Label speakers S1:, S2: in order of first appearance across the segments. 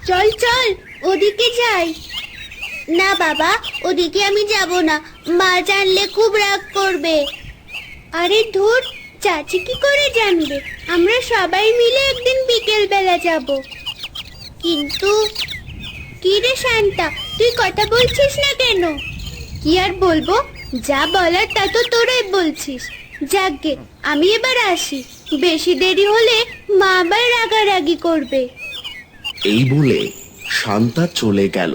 S1: চল চল ওদিকে যাই। না বাবা, ওদিকে আমি যাব না, মা জানলে খুব রাগ করবে। আরে ধুর, চাচি কি করে জানবে? আমরা সবাই মিলে একদিন বিকেল বেলা যাব। কিন্তু কি রে শান্তা, তুই কথা বলছিস না কেন? কি আর বলবো, যা বলার তা তো তোরাই বলছিস। যাকগে, আমি এবার আসি, বেশি দেরি হলে মা আবার রাগারাগি করবে।
S2: এই বলে শান্তা চলে গেল।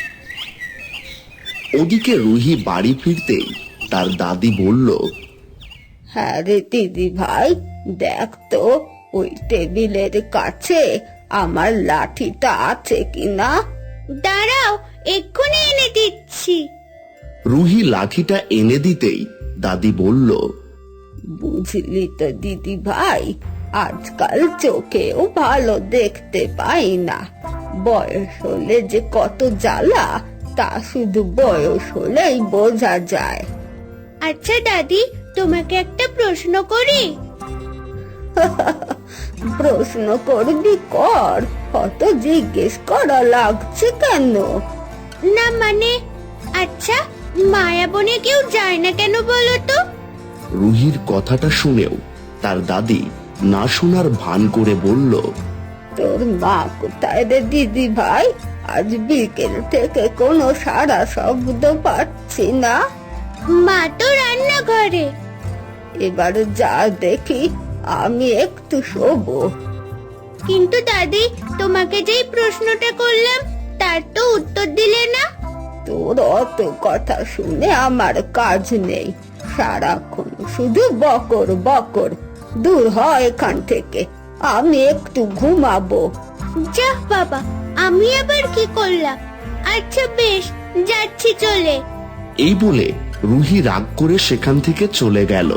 S2: ওদিকে রুহি বাড়ি ফিরতেই তার দাদি বলল,
S3: হ্যাঁ রে দিদি ভাই, দেখ তো ওই টেবিলের কাছে আমার লাঠিটা আছে কিনা।
S1: দাঁড়াও, এক্ষুনি এনে দিচ্ছি।
S2: রুহি লাঠিটা এনে দিতেই দাদি বলল,
S3: বুঝলি তো দিদি ভাই, আজকাল চোখেও ভালো দেখতে পাই না। বয়স হলে যে কত জ্বালা, তা শুধু বয়স হলেই বোঝা যায়।
S1: আচ্ছা দাদি, তোমাকে একটা প্রশ্ন করি?
S3: প্রশ্ন করবি কর, কত জিজ্ঞেস করা লাগছে কেন?
S1: না মানে, আচ্ছা মায়াবনে কেউ যায় না কেন বলো তো?
S2: রুহির কথাটা শুনেও তার দাদি না শোনার ভান করে বলল,
S3: তোর মা কোথায় রে দিদি ভাই? আজ বিকেল থেকে কোনো সারা শব্দ পাচ্ছি না।
S1: মা তো রান্নাঘরে।
S3: এবার যা দেখি, আমি একটু শোবো।
S1: কিন্তু দাদি, তোমাকে যেই প্রশ্নটা করলাম তার তো উত্তর দিলে না।
S3: তোর অত কথা শুনে আমার কাজ নেই, সারাক্ষণ শুধু বকর বকর। দূর হ এখান থেকে, আমি একটু ঘুমাবো।
S1: যাহ বাবা, আমি আবার কি করলাম? আচ্ছা বেশ, যাচ্ছি চলে।
S2: এই বলে রুহি রাগ করে সেখান থেকে চলে গেল।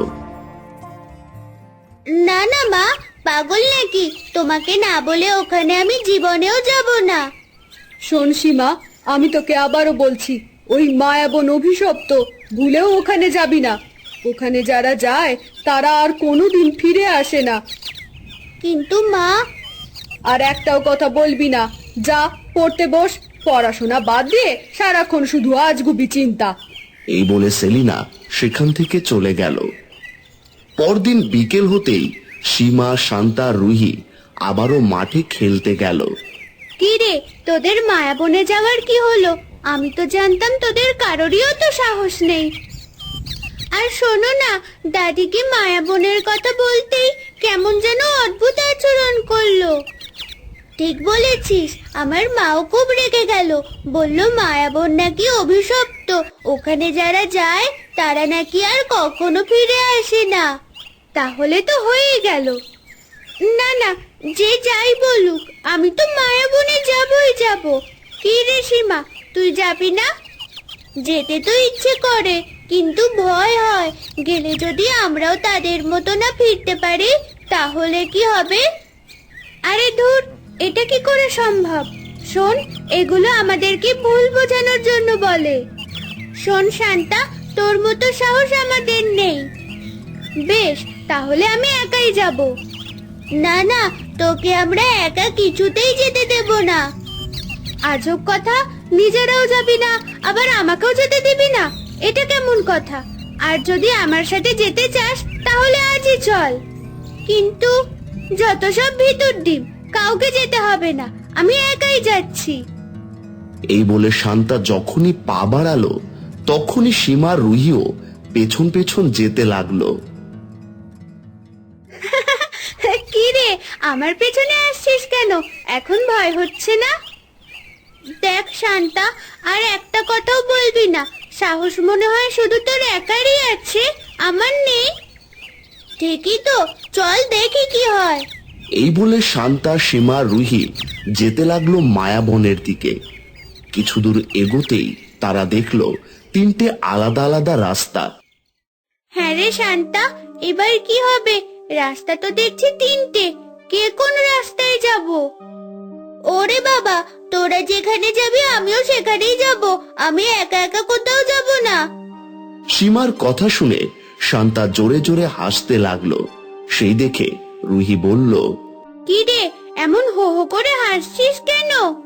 S1: না না মা, পাগল নাকি? তোমাকে না বলে ওখানে আমি জীবনেও যাব না।
S4: শোন সীমা, আমি তোকে আবারও বলছি, ওই মায়াবন অভিশপ্ত, ভুলেও ওখানে যাবি না। ওখানে যারা যায় তারা আর কোনোদিন ফিরে আসে না।
S1: কিন্তু মা।
S4: আর একটাও কথা বলবি না, যা পড়তে বস। পড়াশোনা বাদ দিয়ে সারাক্ষণ শুধু আজগুবি চিন্তা।
S2: এই বলে সেলিনা সেখান থেকে চলে গেল। পরদিন বিকেল হতেই সীমা, শান্তা, রুহি আবারও মাঠে খেলতে গেল।
S1: কি রে, তোদের মায়াবনে যাওয়ার কি হলো? আমি তো জানতাম তোদের কারোরই তো সাহস নেই। আর শোনো না, দাদিকে মায়াবনের কথা বলতেই কেমন যেন অদ্ভুত আচরণ করলো। ঠিক বলেছিস, আমার মাও খুব রেগে গেল, বলল মায়াবন নাকি অভিশপ্ত, ওখানে যারা যায় তারা নাকি আর কখনো ফিরে আসে না। তাহলে তো হয়েই গেল। না না, যে যাই বলুক, আমি তো মায়াবনে যাবই যাব। কি রে সীমা, তুই যাবি না? যেতে তো ইচ্ছে করে, কিন্তু ভয় হয়, গেলে যদি আমরাও তাদের মতো না ফিরতে পারি তাহলে কি হবে? আরে ধুর, এটা কি করে সম্ভব? শোন, এগুলো আমাদেরকে ভুল বোঝানোর জন্য বলে। শোন শান্তা, তোর মতো সাহস আমাদের নেই। বেশ, তাহলে আমি একাই যাব। না না, তোকে আমরা একা কিছুতেই যেতে দেব না। আজব কথা, নিজেরাও যাবি না আবার আমাকেও যেতে দিবি না, এটা কেমন কথা? আর যদি আমার সাথে যেতে চাস তাহলে আজই চল। কিন্তু যত সব ভিতর ডিম, কাউকে যেতে হবে না, আমি একাই যাচ্ছি।
S2: এই বলে শান্তা যখনই পা বাড়ালো তখনই সীমা, রুহিও পেছন পেছন যেতে লাগলো।
S1: কি রে, আমার পেছনে আসছিস কেন? এখন ভয় হচ্ছে না? দেখ শান্তা, আর একটা কথাও বলবি না। সাহস মনে হয় শুধু তোর একারই আছে, আমার নেই। ঠিকই তো, চল দেখি কি হয়।
S2: এই বলে শান্তা, সীমা, রুহি যেতে লাগলো মায়াবনের দিকে। কিছু দূর এগোতেই তারা দেখলো তিনটে আলাদা আলাদা রাস্তা।
S1: হ্যাঁ রে শান্তা, এবার কি হবে? রাস্তা তো দেখছি তিনটে, কে কোন রাস্তায় যাব? ওরে বাবা, তোরা যেখানে যাবি আমিও সেখানেই যাব, আমি একা একা কোথাও যাব না।
S2: সীমার কথা শুনে শান্তা জোরে জোরে হাসতে লাগলো। সেই দেখে রুহি বলল,
S1: কি রে, এমন হো হো করে হাসছিস কেন?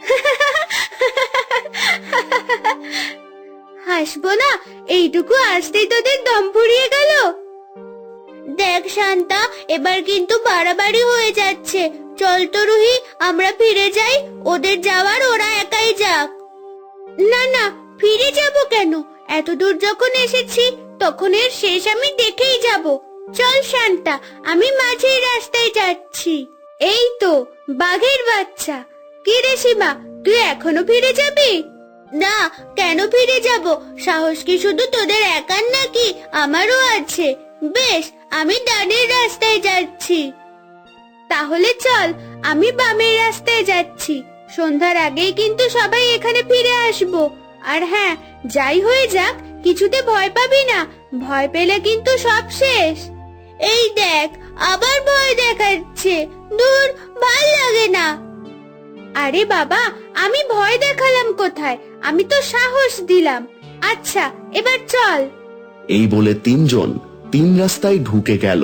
S1: হাসবো না? এইটুকু আসতেই তোদের দম ফুরিয়ে গেল। দেখ শান্তা, এবার কিন্তু বাড়াবাড়ি হয়ে যাচ্ছে। চল তো রুহি, আমরা ফিরে যাই। ওদের যাওয়ার ওরা একাই যাক। না না, ফিরে যাব কেন? এত দূর যখন এসেছি তখন এর শেষ আমি দেখেই যাব। চল শান্তা, আমি মাঝের রাস্তায় যাচ্ছি। এই তো বাঘের বাচ্চা। কি রে সীমা, তুই এখনো ফিরে যাবি? না, কেন ফিরে যাব? সাহস কি শুধু তোদের একার নাকি? আমারও আছে। বেশ, আমি ডানের রাস্তায় যাচ্ছি। তাহলে চল, আমি বামের রাস্তায় যাচ্ছি। সন্ধ্যার আগেই কিন্তু সবাই এখানে ফিরে আসবো। আর হ্যাঁ, যাই হয়ে যাক, কিছুতে ভয় পাবি না। ভয় পেলে কিন্তু সব শেষ। এই দেখ, আবার ভয় দেখাচ্ছে। দূর, ভাল লাগে না। আরে বাবা, আমি ভয় দেখালাম কোথায়? আমি তো সাহস দিলাম। আচ্ছা, এবার চল।
S2: এই বলে তিনজন তিন রাস্তায় ঢুকে গেল।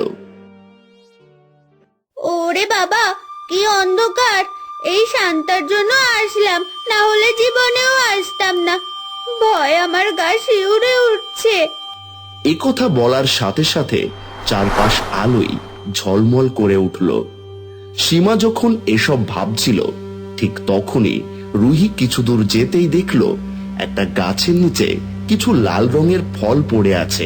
S1: ওরে বাবা, কি অন্ধকার! এই শান্তার জন্য আসলাম, না হলে জীবনেও আসতাম না। ভয় আমার গা শিউরে উঠছে।
S2: এ কথা বলার সাথে সাথে চারপাশ আলোয় ঝলমল করে উঠল। সীমা যখন এসব ভাবছিল, ঠিক তখনই রুহি কিছু দূর যেতেই দেখলো একটা গাছের নিচে কিছু লাল রঙের ফল পড়ে আছে।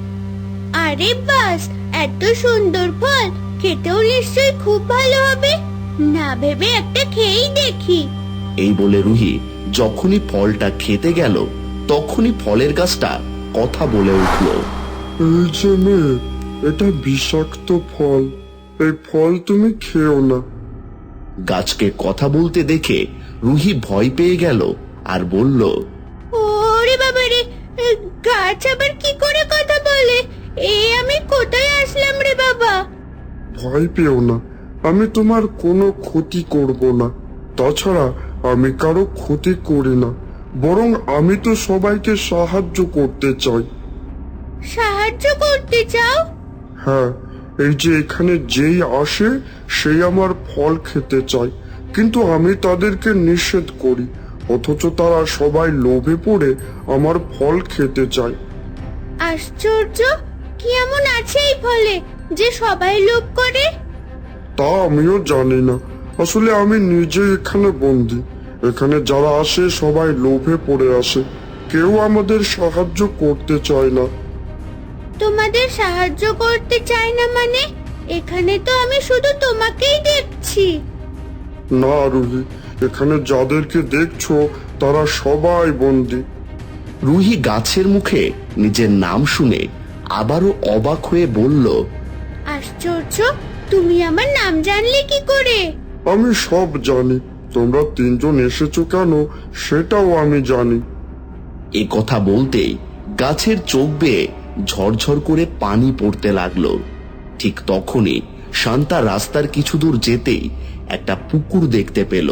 S1: আরে বাস, এত সুন্দর ফল! খেতেও নিশ্চয়ই খুব ভালো হবে। না ভেবে একটা খেয়েই দেখি।
S2: এই বলে রুহি যখনই ফলটা খেতে গেল, তখনই ফলের গাছটা কথা বলে উঠল।
S5: এই যে মেয়ে, এটা বিষাক্ত ফল, এই ফল তুমি খেও না।
S2: গাছকে কথা বলতে দেখে রুহি ভয় পেয়ে গেল আর বলল,
S1: ওরে বাবা রে, গাছ আবার কি করে কথা বলে? আমি কোথায় আসলাম রে বাবা?
S5: ভয় পেও না, আমি তোমার কোনো ক্ষতি করব না। তাছাড়া আমি কারো ক্ষতি করি না, বরং আমি তো সবাইকে সাহায্য করতে চাই।
S1: সাহায্য করতে চাও?
S5: হ্যাঁ, এই যে এখানে যেই আসে সেই আমার ফল খেতে চায়, কিন্তু আমি তাদেরকে নিষেধ করি, অথচ তারা সবাই লোভে পড়ে আমার ফল খেতে চায়।
S1: আশ্চর্য! কি এমন আছে এই ফলে যে সবাই লোভ করে?
S5: তা আমিও জানি না, আসলে আমি নিজে এখানে বন্দি। এখানে যারা আসে সবাই লোভে পড়ে আসে, কেউ আমাদের সাহায্য করতে চায় না।
S1: তোমাদের সাহায্য করতে চাই না মানে? এখানে তো আমি শুধু তোমাকেই দেখছি।
S5: না রুহি, এখানে যাদেরকে দেখছো তারা সবাই বন্দি।
S2: রুহি গাছের মুখে নিজের নাম শুনে আবারও অবাক হয়ে বলল,
S1: আশ্চর্য! তুমি আমার নাম জানলে কি করে?
S5: আমি সব জানি, তোমরা তিনজন এসেছো কেন সেটাও আমি জানি।
S2: এ কথা বলতেই গাছের চোখ বেয়ে ঝরঝর করে পানি পড়তে লাগলো। ঠিক তখনই শান্তা রাস্তার কিছু দূর যেতেই একটা পুকুর দেখতে পেল।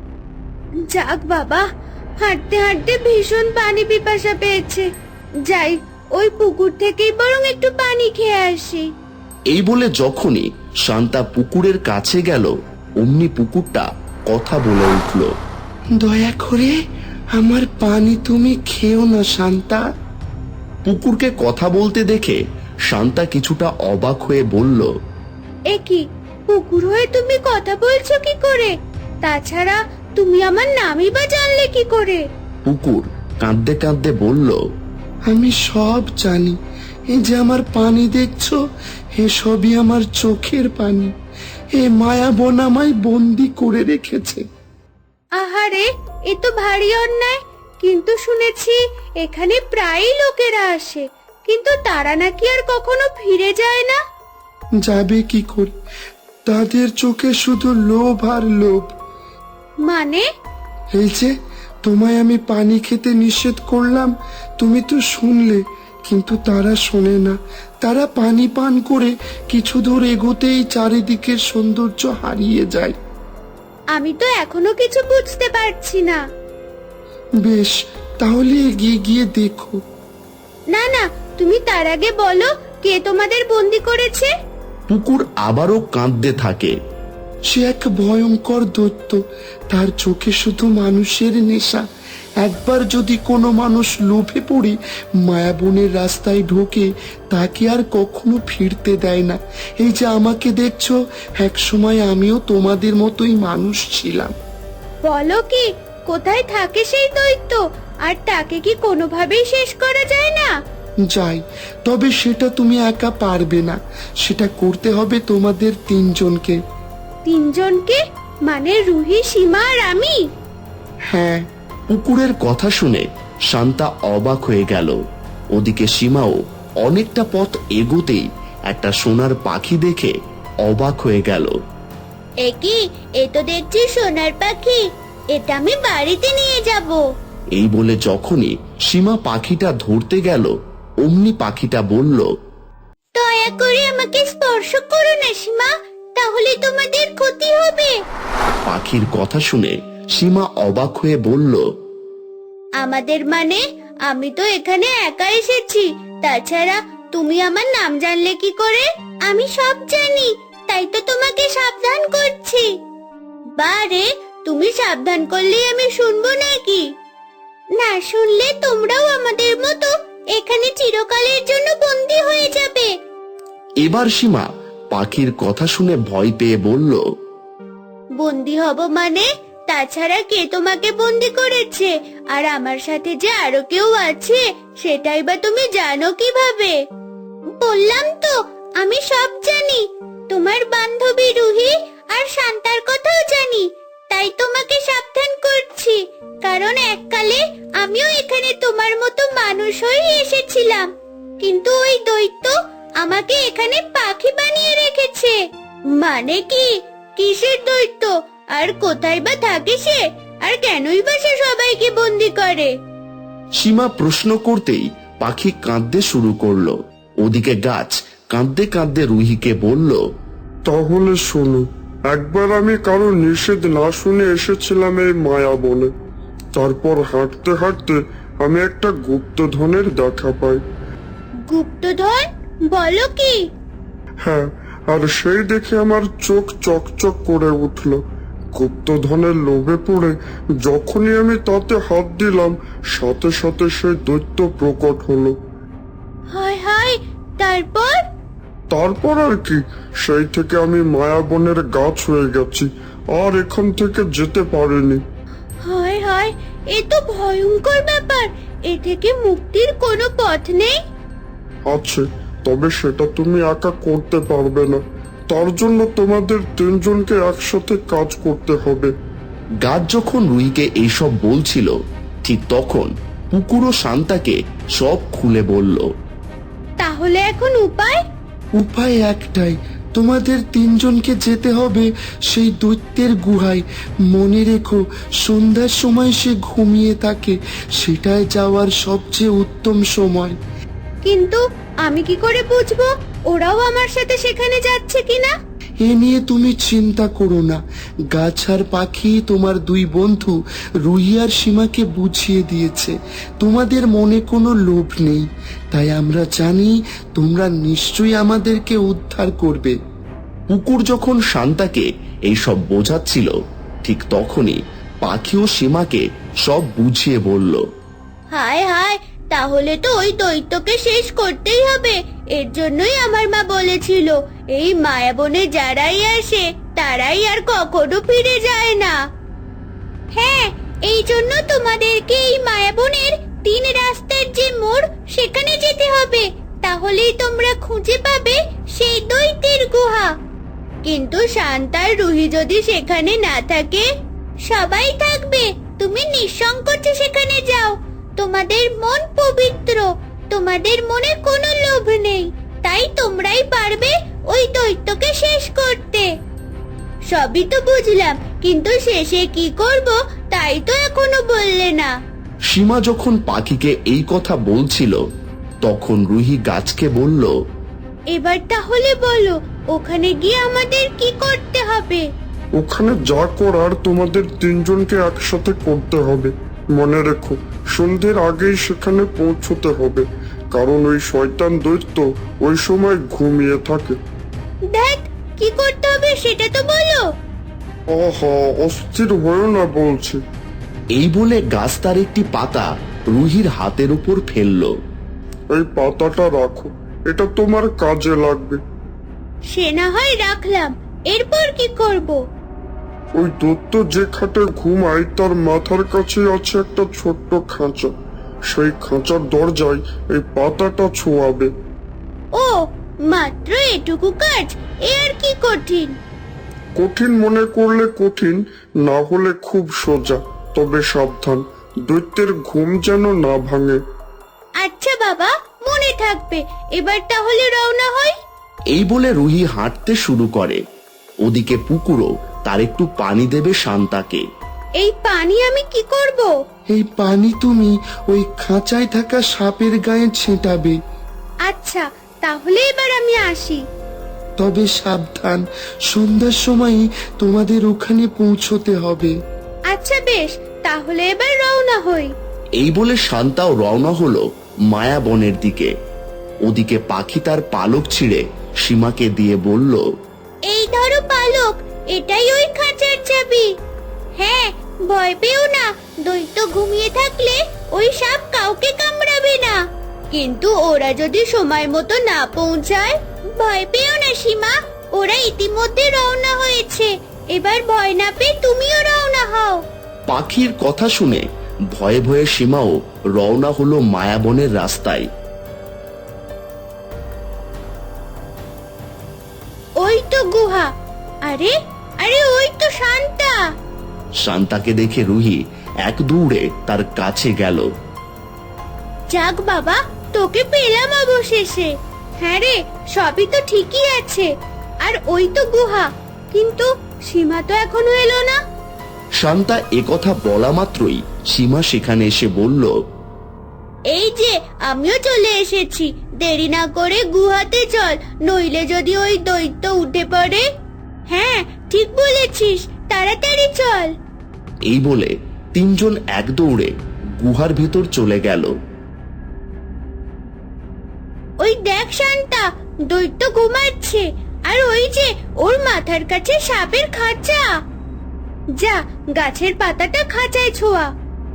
S1: যাক বাবা, হাঁটতে হাঁটতে ভীষণ পানি পিপাসা পেয়েছে। যাই, ওই পুকুর থেকেই বরং একটু পানি খেয়ে আসি।
S2: এই বলে যখনই শান্তা পুকুরের কাছে গেল, অমনি পুকুরটা কথা বলে উঠল, দয়া করে আমার পানি তুমি খেও না শান্তা। পুকুরকে কথা বলতে দেখে শান্তা কিছুটা অবাক হয়ে বলল,
S1: এ কি, পুকুর হয়ে তুমি কথা বলছো কি করে? তাছাড়া তুমি আমার নামই বা জানলে কি করে?
S2: পুকুর কাঁদতে কাঁদতে বলল, আমি সব জানি। এই যে আমার পানি দেখছো, এসবই আমার চোখের পানি। এ মায়াবন আমায় বন্দি করে রেখেছে।
S1: আহারে, এ তো ভারী অন্যায়। কিন্তু শুনেছি এখানে প্রায়ই লোকেরা আসে, কিন্তু তারা নাকি আর কখনো ফিরে যায় না।
S5: যাবে কি করে? তাদের চোখে শুধু লোভ আর লোভ।
S1: মানে?
S5: এই যে তোমায় আমি পানি খেতে নিষেধ করলাম, তুমি তো শুনলে, কিন্তু তারা শোনে না। তারা পানি পান করে কিছু দূর এগোতেই চারিদিকের সৌন্দর্য হারিয়ে যায়।
S1: আমি তো এখনো কিছু বুঝতে পারছি না।
S5: বেশ, তাহলে এগিয়ে গিয়ে দেখো।
S1: না না, তুমি তার আগে বলো, কে তোমাদের বন্দি করেছে?
S2: পুকুর আবারও কাঁদতে থাকে।
S5: সে এক ভয়ঙ্কর দৈত্য। তার চোখে শুধু মানুষের নেশা। একবার যদি কোনো মানুষ লোভে পড়ে মায়াবনের রাস্তায় ঢোকে, তাকে আর কখনো ফিরতে দেয় না। এই যে আমাকে দেখছো, এক সময় আমিও তোমাদের মতোই মানুষ ছিলাম।
S1: বলো কি, কোথায় থাকে সেই দৈত্য? আর তাকে কি কোনোভাবেই শেষ করা যায় না?
S5: যাই, তবে সেটা তুমি একা পারবে না। সেটা করতে হবে তোমাদের তিনজনকে।
S1: তিনজনকে? মানে রুহি, সীমা আর আমি?
S5: হ্যাঁ।
S2: পুকুরের কথা শুনে শান্তা অবাক হয়ে গেল। ওদিকে সীমাও অনেকটা পথ এগোতেই একটা সোনার পাখি দেখে অবাক হয়ে গেল।
S1: এ কি, এ তো দেখছি সোনার পাখি। এটা আমি বাড়িতে নিয়ে যাব।
S2: এই বলে যখনই সীমা পাখিটা ধরতে গেল, অমনি পাখিটা বলল,
S1: দয়া করে আমাকে স্পর্শ করো না সীমা, তাহলে তোমাদের ক্ষতি হবে।
S2: পাখির কথা শুনে সীমা অবাক হয়ে বলল,
S1: আমাদের মানে? আমি তো এখানে একা এসেছি। তাছাড়া তুমি আমার নাম জানলে কি করে? আমি সব জানি, তাই তো তোমাকে সাবধান করছি। বারে, তুমি সাবধান করলেই আমি শুনবো নাকি? না শুনলে তোমরাও আমাদের মতো এখানে চিরকালের জন্য বন্দী হয়ে যাবে।
S2: এবার সীমা পাখির কথা শুনে ভয় পেয়ে বলল,
S1: বন্দী হব মানে? তাছাড়া কে তোমাকে বন্দী করেছে? আর আমার সাথে যে আরো কেউ আছে, সেটাই বা তুমি জানো কিভাবে? বললাম তো, আমি সব জানি। তোমার বান্ধবী রুহি আর শান্তার কথাও জানি। তাই তোমাকে সাবধান করছি, কারণ এককালে আমিও এখানে তোমার মতো মানুষ হয়ে এসেছিলাম। কিন্তু ওই দৈত্য আমাকে এখানে পাখি বানিয়ে রেখেছে। মানে কি? কিসের দৈত্য? আর কোথায় বা থাকে সে? আর কেনই বা সে সবাইকে বন্দি করে?
S2: সীমা প্রশ্ন করতেই পাখি কাঁদতে শুরু করলো। ওদিকে গাছ কাঁদতে কাঁদতে রুহিকে বলল,
S5: তাহলে শোনো, একবার আমি কারো নিষেধ না শুনে এসেছিলাম এই মায়া বনে। তারপর হাঁটতে হাঁটতে আমি একটা গুপ্তধনের দেখা পাই।
S1: গুপ্তধন? বলো কি?
S5: হ্যাঁ, আর সেই দেখে আমার চোখ চকচক করে উঠল। গুপ্তধনের লোভে পড়ে যখনই আমি তাতে হাত দিলাম, সাথে সাথে সেই দৈত্য প্রকট হলো।
S1: হায় হায়, তারপর?
S5: তারপর আর কি, সেই থেকে আমি মায়াবনের গাছ হয়ে গেছি, আর এখান থেকে যেতে পারিনি।
S1: হায় হায়, এ তো ভয়ঙ্কর ব্যাপার। এ থেকে মুক্তির কোনো পথ নেই?
S5: আছে, তবে সেটা তুমি একা করতে পারবে না। তার জন্য তোমাদের তিনজনকে একসাথে কাজ করতে হবে।
S2: গাছ যখন রুহিকে এইসব বলছিল, ঠিক তখন পুকুর ও শান্তাকে সব খুলে বলল।
S1: তাহলে এখন উপায়?
S5: উপায় একটাই, তোমাদের তিনজনকে যেতে হবে সেই দৈত্যের গুহায়। মনে রেখো, সন্ধ্যার সময় সে ঘুমিয়ে থাকে। সেটাই যাওয়ার সবচেয়ে উত্তম সময়।
S1: কিন্তু আমি কি করে বুঝবো ওরাও আমার সাথে সেখানে যাচ্ছে কিনা?
S5: এ নিয়ে তুমি চিন্তা করো না। গাছ আর পাখি তোমার দুই বন্ধু রুহি আর সীমাকে বুঝিয়ে দিয়েছে তোমাদের মনে কোনো লোভ নেই। তাই আমরা জানি তোমরা নিশ্চয়ই আমাদেরকে উদ্ধার করবে।
S2: পুকুর যখন শান্তাকে এইসব বোঝাচ্ছিল, ঠিক তখনই পাখি ও সীমাকে সব বুঝিয়ে বলল।
S1: হায় হায়, তাহলে তো ওই দৈত্যকে শেষ করতেই হবে। এর জন্যই আমার মা বলেছিল, এই মায়াবনে যারাই আসে তারাই আর কখনো ফিরে যায় না। হ্যাঁ, এই জন্য তোমাদেরকে এই মায়াবনের 3 রাস্তার যে মোড়, সেখানে যেতে হবে। তাহলেই তোমরা খুঁজে পাবে সেই দৈত্যের গুহা। কিন্তু শান্তার রুহি যদি সেখানে না থাকে? সবাই থাকবে, তুমি নিঃসংকোচে সেখানে যাও। তোমাদের মন পবিত্র, তোমাদের মনে কোনো লোভ নেই, তাই তোমরাই পারবে ওই দৈত্যকে শেষ করতে। সবই তো বুঝলাম, কিন্তু শেষে কি করব তাই তো এখনো বললে না।
S2: সীমা যখন পাখিকে এই কথা বলছিল, তখন রুহি গাছকে বলল,
S1: এবার তাহলে বলো, ওখানে গিয়ে আমাদের কি করতে হবে?
S5: ওখানে যা করার তোমাদের তিনজনকে একসাথে করতে হবে। মনে রেখো, সন্ধ্যের আগেই সেখানে পৌঁছতে হবে, কারণ ওই শয়তান দৈত্য ওই সময় ঘুমিয়ে থাকে।
S1: দেখ, কি করতে হবে সেটা তো বলো।
S5: আহা, অস্থির হয়েও না বলছি।
S2: এই বলে গাছটার একটি পাতা রুহির হাতের উপর ফেললো।
S5: এই পাতাটা রাখো, এটা তোমার কাজে লাগবে।
S1: সে না হয় রাখলাম, এরপর কি করব?
S5: ওই দত্ত যে খাটে ঘুমায় তার মাথার কাছে আছে একটা ছোট্ট খাঁচা। সেই খাঁচার দরজায় এই পাতাটা ছোঁয়াবে।
S1: ও, মাত্র এটুকু কাজ, এ আর কি কঠিন?
S5: কঠিন মনে করলে কঠিন, না হলে খুব সোজা। তবে সাবধান, দৈত্যের ঘুম যেন না ভাঙে।
S1: আচ্ছা বাবা, মনে থাকবে। এবার তাহলে রওনা হয়।
S2: এই বলে রুহি হাঁটতে শুরু করে। ওদিকে পুকুরও তার একটু পানি দেবে শান্তাকে।
S1: এই পানি আমি কি করব?
S5: এই পানি তুমি ওই খাঁচায় থাকা সাপের গায়ে ছেটাবে।
S1: আচ্ছা, তাহলে এবার আমি আসি।
S5: তবে সাবধান, সন্ধ্যার সময় তোমাদের ওখানে পৌঁছতে হবে।
S1: আচ্ছা বেশ, তাহলে এবার রওনা হই।
S2: এই বলে শান্তাও রওনা হলো মায়াবনের দিকে। ওদিকে পাখি তার পালক ছিঁড়ে সীমাকে দিয়ে বলল,
S1: এই ধরো পালক, এটাই ওই খাঁচার চাবি। হ্যাঁ, ভয় পেও না, দৈত্য ঘুমিয়ে থাকলে ওই সাপ কাউকে কামড়াবে না। কিন্তু ওরা যদি সময় মতো না পৌঁছায়, ভয় পেও না সীমা, ওরা ইতিমধ্যে রওনা হয়েছে। এবার ভয় না পেয়ে তুমিও রওনা হও।
S2: পাখির কথা শুনে ভয়ে ভয়ে সীমাও রওনা হলো মায়াবনের রাস্তায়।
S1: ওই তো গুহা। আরে আরে, ওই তো শান্তা।
S2: শান্তাকে দেখে রুহি এক দৌড়ে তার কাছে গেল।
S1: যাক বাবা, তোকে পেলাম অবশেষে। হ্যাঁ রে, সবই তো ঠিকই আছে। আর ওই তো গুহা, কিন্তু সীমা তো এখনো এলো না।
S2: শান্তা একথা বলা মাত্রই সীমা সেখানে এসে বলল,
S1: এই যে আমিও চলে এসেছি, দেরি না করে গুহাতে চল, নইলে যদি ওই দৈত্য উঠে পড়ে। হ্যাঁ, ঠিক বলেছিস, তাড়াতাড়ি চল।
S2: এই বলে তিনজন এক দৌড়ে গুহার ভেতর চলে গেল।
S1: ওই দেখ শান্তা, দৈত্য ঘুমাচ্ছে, আর ওই যে ওর মাথার কাছে সাপের খাঁচা। যা, গাছের পাতাটা খাঁচায় ছোঁয়া।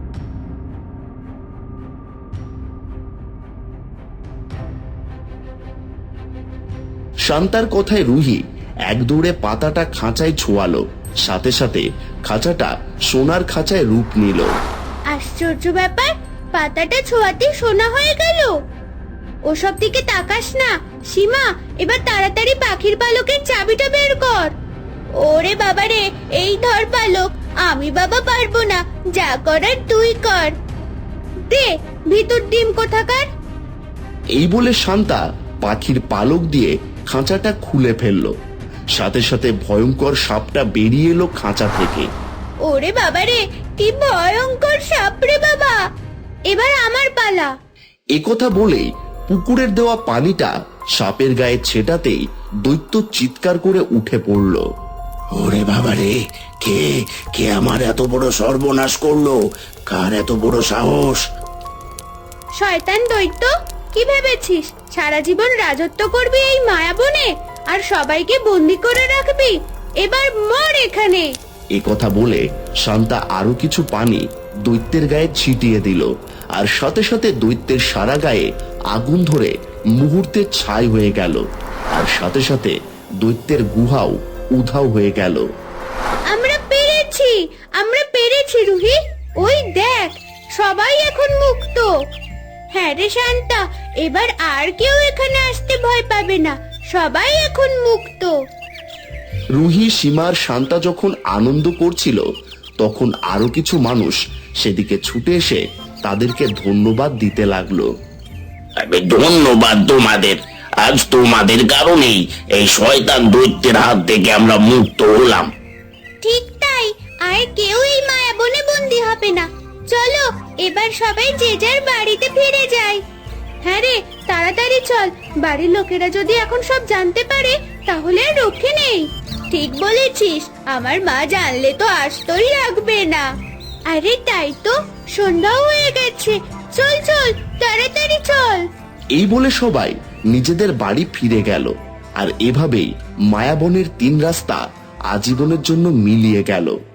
S2: শান্তার কথায় রুহি এক দৌড়ে পাতাটা খাঁচায় ছোঁয়ালো। সাথে সাথে খাঁচাটা সোনার খাঁচায় রূপ নিল।
S1: আশ্চর্য ব্যাপার, পাতাটা ছোঁয়াতে সোনা হয়ে গেল। ওসব দিকে তাকাস না সীমা, এবার তাড়াতাড়ি পাখির পালকের চাবিটা বের কর। ওরে বাবারে, এই ধর পালক, আমি বাবা পারবো না, যা করার তুই কর। দে ভিতর ডিম কোথাকার।
S2: এই বলে শান্তা পাখির পালক দিয়ে খাঁচাটা খুলে ফেললো। সাথে সাথে ভয়ঙ্কর সাপটা বেরিয়ে এলো খাঁচা থেকে।
S1: ওরে বাবারে, কি ভয়ঙ্কর সাপ রে বাবা। এবার আমার পালা।
S2: একথা বলেই পুকুরের দেওয়া পানিটা সাপের গায়ে ছেটাতেই দৈত্য চিৎকার করে উঠে পড়ল।
S6: ওরে বাবারে, কে কে আমার এত বড় সর্বনাশ করলো? কার এত বড় সাহস?
S1: শয়তান দৈত্য, কি ভেবেছিস সারা জীবন রাজত্ব করবি এই মায়াবনে আর সবাইকে বন্দি করে রাখবি? এবার মর এখানে।
S2: একথা বলে শান্তা আরো কিছু পানি দৈত্যের গায়ে ছিটিয়ে দিল, আর সাথে সাথে দৈত্যের সারা গায়ে আগুন ধরে মুহূর্তে ছাই হয়ে গেল, আর সাথে সাথে দৈত্যের গুহাও উধাও হয়ে গেল।
S1: আমরা পেরেছি, আমরা পেরেছি রুহি। ওই দেখ, সবাই এখন মুক্ত। হ্যাঁ রে শান্তা, এবার আর কেউ এখানে আসতে ভয় পাবে না, সবাই এখন মুক্ত।
S2: রুহি, সীমার শান্তা যখন আনন্দ করছিল, তখন আরো কিছু মানুষ সেদিকে ছুটে এসে তাদেরকে ধন্যবাদ দিতে লাগলো।
S6: ধন্যবাদ তোমাদের, আজ তোমাদের কারণেই এই শয়তান দৈত্যের হাত থেকে আমরা মুক্ত হলাম।
S1: ঠিক তাই, আর কেউ এই মায়াবনে বন্দি হবে না। চলো এবার সবাই যে যার বাড়িতে ফিরে যায়। হ্যাঁ রে, তাড়াতাড়ি চল, বাড়ির লোকেরা যদি এখন সব জানতে পারে তাহলে আর রক্ষে নেই। ঠিক বলেছিস, আমার মা জানলে তো আসতেই রাখবে না। আরে তাই তো, সন্ধ্যাও হয়ে গেছে। চল চল, তাড়াতাড়ি চল।
S2: এই বলে সবাই নিজেদের বাড়ি ফিরে গেল। আর এভাবেই মায়াবনের তিন রাস্তা আজীবনের জন্য মিলিয়ে গেল।